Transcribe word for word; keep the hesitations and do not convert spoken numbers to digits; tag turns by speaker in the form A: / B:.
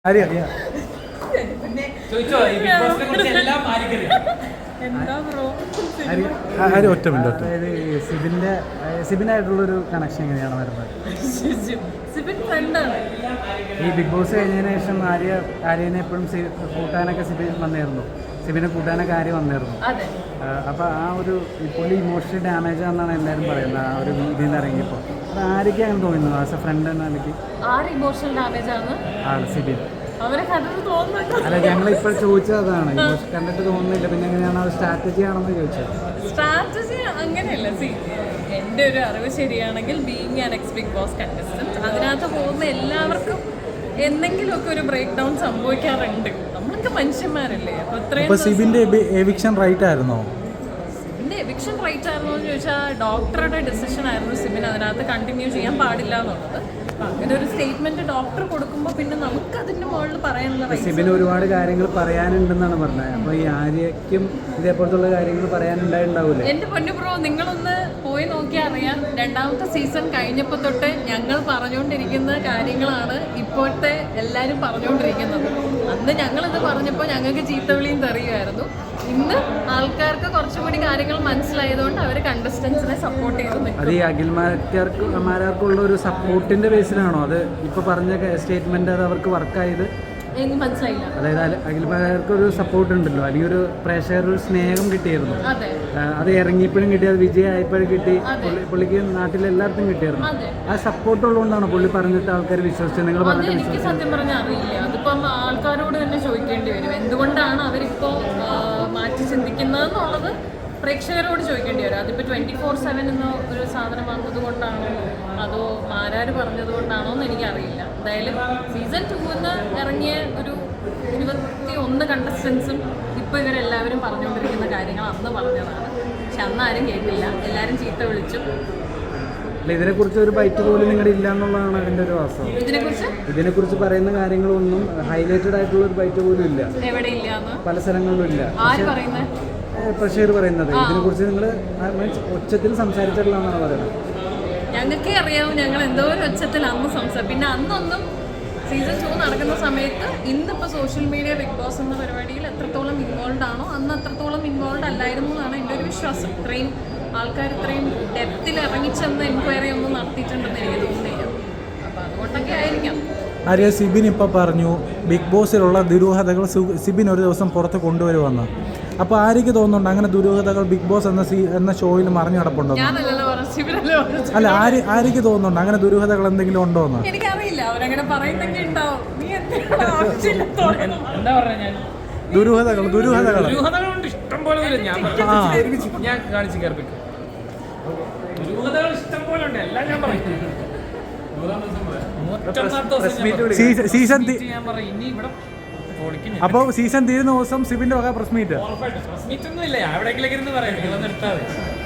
A: ഒറ്റ മിനിറ്റ് അതായത് സിബിന്റെ സിബിനായിട്ടുള്ളൊരു കണക്ഷൻ എങ്ങനെയാണ് വരുന്നത്? ഈ ബിഗ് ബോസ് കഴിഞ്ഞതിന് ശേഷം ആര്യ ആര്യനെ എപ്പോഴും കൂട്ടാനൊക്കെ സിബിൻ വന്നിരുന്നു, സിബിനെ കൂട്ടാനൊക്കെ ആര്യ വന്നിരുന്നു. അപ്പൊ ആ ഒരു പുള്ളി ഇമോഷണൽ ഡാമേജ് ആണെന്നാണ് എല്ലാവരും പറയുന്നത് ആ ഒരു ഇതിൽ നിന്ന് ഇറങ്ങിയപ്പോൾ. അത് ആര്യക്ക് അങ്ങനെ തോന്നുന്നു ആസ് എ ഫ്രണ്ട് എന്ന നിലയ്ക്ക് ആണ് സിബിൻ. അല്ല ഞങ്ങൾ ഇപ്പോൾ ചോദിച്ചത് അതാണ്, ഇമോഷൻ കണ്ടിട്ട് തോന്നുന്നില്ല, പിന്നെ എങ്ങനെയാണ് അത് സ്ട്രാറ്റജി ആണെന്ന് ചോദിച്ചത്.
B: സ്ട്രാറ്റജി അങ്ങനെയല്ല. സി എൻ്റെ ഒരു അറിവ് ശരിയാണെങ്കിൽ being an ex Bigg Boss contestant അതിനകത്ത് പോകുന്ന എല്ലാവർക്കും എന്തെങ്കിലുമൊക്കെ ഒരു ബ്രേക്ക് ഡൗൺ സംഭവിക്കാറുണ്ട്. നമ്മളൊക്കെ മനുഷ്യന്മാരല്ലേ. അപ്പോൾ ഇത്രയും
A: സിബിന്റെ എവിക്ഷൻ റൈറ്റ് ആയിരുന്നോ?
B: സിബിന്റെ എവിക്ഷൻ റൈറ്റ് ആയിരുന്നോ എന്ന് ചോദിച്ചാൽ ഡോക്ടറുടെ ഡിസിഷൻ ആയിരുന്നു സിബിൻ അതിനകത്ത് കണ്ടിന്യൂ ചെയ്യാൻ പാടില്ല എന്നുള്ളത്. അങ്ങനെ ഒരു സ്റ്റേറ്റ്മെന്റ് ഡോക്ടർ കൊടുക്കുമ്പോൾ പിന്നെ നമുക്ക് അതിന്റെ മുകളിൽ പറയാനുള്ള
A: സിബിന് ഒരുപാട് കാര്യങ്ങൾ പറയാനുണ്ടെന്നാണ് പറഞ്ഞത്. അപ്പൊ ഈ ആര്യയ്ക്കും ഇതേപോലത്തുള്ള കാര്യങ്ങൾ പറയാനുണ്ടായിണ്ടാവൂലേ?
B: എന്റെ പൊന്നു ബ്രോ, നിങ്ങളൊന്ന് പോയി നോക്കിയാൽ അറിയാം. രണ്ടാമത്തെ സീസൺ കഴിഞ്ഞപ്പോൾ തൊട്ട് ഞങ്ങൾ പറഞ്ഞുകൊണ്ടിരിക്കുന്ന കാര്യങ്ങളാണ് ഇപ്പോഴത്തെ എല്ലാവരും പറഞ്ഞുകൊണ്ടിരിക്കുന്നത്. അന്ന് ഞങ്ങളിത് പറഞ്ഞപ്പോൾ ഞങ്ങൾക്ക് ചീത്തവിളിയും തെറിയുമായിരുന്നു. ഇന്ന് ആൾക്കാർക്ക് കുറച്ചുകൂടി കാര്യങ്ങൾ മനസ്സിലായതുകൊണ്ട് അവർ കണ്ടസ്റ്റൻസിനെ സപ്പോർട്ട് ചെയ്തു.
A: അത് ഈ അഖിൽമാരാർക്ക് മാരാർക്കുള്ള ഒരു സപ്പോർട്ടിന്റെ ബേസിലാണോ അത് ഇപ്പൊ പറഞ്ഞ സ്റ്റേറ്റ്മെന്റ് അത് അവർക്ക് വർക്കായത്?
B: എനിക്ക് മനസ്സിലായില്ല.
A: അതായത് അഖിൽമാരാർക്ക് ഒരു സപ്പോർട്ട് ഉണ്ടല്ലോ, അല്ലെങ്കിൽ ഒരു പ്രേക്ഷകർ ഒരു സ്നേഹം കിട്ടിയിരുന്നു. അത് ഇറങ്ങിയപ്പോഴും കിട്ടി, അത് വിജയമായപ്പോഴും കിട്ടി, പുള്ളിക്ക് നാട്ടിലെല്ലാവർക്കും കിട്ടിയിരുന്നു. ആ സപ്പോർട്ട് ഉള്ളതുകൊണ്ടാണ് പുള്ളി പറഞ്ഞിട്ട് ആൾക്കാർ വിശ്വസിച്ചത്. നിങ്ങൾ പറഞ്ഞിട്ട്
B: എനിക്ക് സത്യം പറഞ്ഞാൽ അറിയില്ല. അതിപ്പം ആൾക്കാരോട് തന്നെ ചോദിക്കേണ്ടി വരും, എന്തുകൊണ്ടാണ് അവരിപ്പോ മാറ്റി ചിന്തിക്കുന്നതെന്നുള്ളത് പ്രേക്ഷകരോട് ചോദിക്കേണ്ടി വരും. അതിപ്പോൾ ട്വൻറ്റി ഫോർ സെവൻ എന്ന ഒരു സാധനം വന്നത് കൊണ്ടാണോ അതോ ആരാര് പറഞ്ഞത് കൊണ്ടാണോ എന്ന് എനിക്കറിയില്ല. എന്തായാലും സീസൺ ടൂന്ന് ഇറങ്ങിയ ഒരു ഇരുപത്തി ഒന്ന് കണ്ടസ്റ്റൻസും ഇപ്പോൾ ഇവരെല്ലാവരും പറഞ്ഞുകൊണ്ടിരിക്കുന്ന കാര്യങ്ങൾ അന്ന് പറഞ്ഞതാണ്. പക്ഷെ അന്ന് ആരും കേട്ടില്ല, എല്ലാവരും ചീത്ത വിളിച്ചു.
A: ഇതിനെക്കുറിച്ച് ഒരു ബൈറ്റ് പോലും നിങ്ങളുടെ ഇല്ല എന്നുള്ളതാണ് അതിന്റെ ഒരു വാസ്തവം.
B: ഇതിനെക്കുറിച്ച്
A: ഇതിനെക്കുറിച്ച് പറയുന്ന കാര്യങ്ങളൊന്നും ഹൈലൈറ്റഡ് ആയിട്ടുള്ള ഒരു ബൈറ്റ് പോലും ഇല്ല,
B: എവിടെ ഇല്ല,
A: പല സ്ഥലങ്ങളിലും ഇല്ല.
B: ആര് പറയുന്നത്?
A: പ്രഷർ പറയുന്നത് ഇതിനെക്കുറിച്ച് നിങ്ങൾ ഒച്ചത്തിൽ സംസാരിച്ചിട്ടില്ലെന്നാണ് പറയുന്നത്.
B: ഞങ്ങൾക്കേ അറിയാവും ഞങ്ങൾ എന്തോ ഒരു ഒച്ചത്തിൽ അന്ന് സംസാരിക്കും. പിന്നെ അന്നൊന്നും സീസൺ ടു നടക്കുന്ന സമയത്ത് ഇന്നിപ്പോൾ സോഷ്യൽ മീഡിയ ബിഗ് ബോസ് എന്ന പരിപാടിയിൽ എത്രത്തോളം ഇൻവോൾവ് ആണോ അന്ന് അത്രത്തോളം ഇൻവോൾവ് അല്ലായിരുന്നു എന്നാണ് എൻ്റെ ഒരു വിശ്വാസം. ഇത്രയും ആൾക്കാർ ഇത്രയും ഡെപ്തിൽ ഇറങ്ങിച്ചെന്ന് എൻക്വയറി ഒന്നും നടത്തിയിട്ടുണ്ടെന്ന് എനിക്ക് തോന്നുന്നില്ല. അപ്പം അതുകൊണ്ടൊക്കെ ആയിരിക്കാം.
A: ആര്യ സിബിൻ ഇപ്പോൾ പറഞ്ഞു ബിഗ് ബോസിലുള്ള ദുരൂഹതകൾ സിബിൻ ഒരു ദിവസം പുറത്ത് കൊണ്ടുവരുമെന്ന്. അപ്പോൾ ആര്യക്ക് തോന്നുന്നുണ്ട് അങ്ങനെ ദുരൂഹതകൾ ബിഗ് ബോസ് എന്ന സീ എന്ന ഷോയിൽ മറിഞ്ഞു കിടപ്പുണ്ടോ? അല്ല ആര്യ ആര്യക്ക് തോന്നുന്നുണ്ട് അങ്ങനെ ദുരൂഹതകൾ എന്തെങ്കിലും ഉണ്ടോ എന്ന്?
B: എനിക്കറിയില്ല, അവരങ്ങനെ പറയുന്നെങ്കിൽ ഉണ്ടാവും.
C: എന്താ പറഞ്ഞ ഞാൻ
A: ദുരൂഹതകൾ ദുരൂഹതകൾ
C: ദുരൂഹതകളുണ്ട് ഇഷ്ടം പോലെ. ഞാൻ ഞാൻ കാണിച്ചു കേൾപ്പിക്കും. ദുരൂഹതകൾ ഇഷ്ടം പോലെ ഉണ്ട്, എല്ലാം ഞാൻ പറയും.
A: സീസൺ
C: ഞാൻ പറയും ഇനി ഇവിടെ
A: അപ്പൊ സീസൺ തീരുന്ന ദിവസം സിബിന്റെ വക പ്രസ് മീറ്റ്
C: പ്രസ് മീറ്റ് ഒന്നും ഇല്ല, എവിടെയെങ്കിലും ഇരുന്ന് പറയാം. നിങ്ങളൊന്നും എടുത്താൽ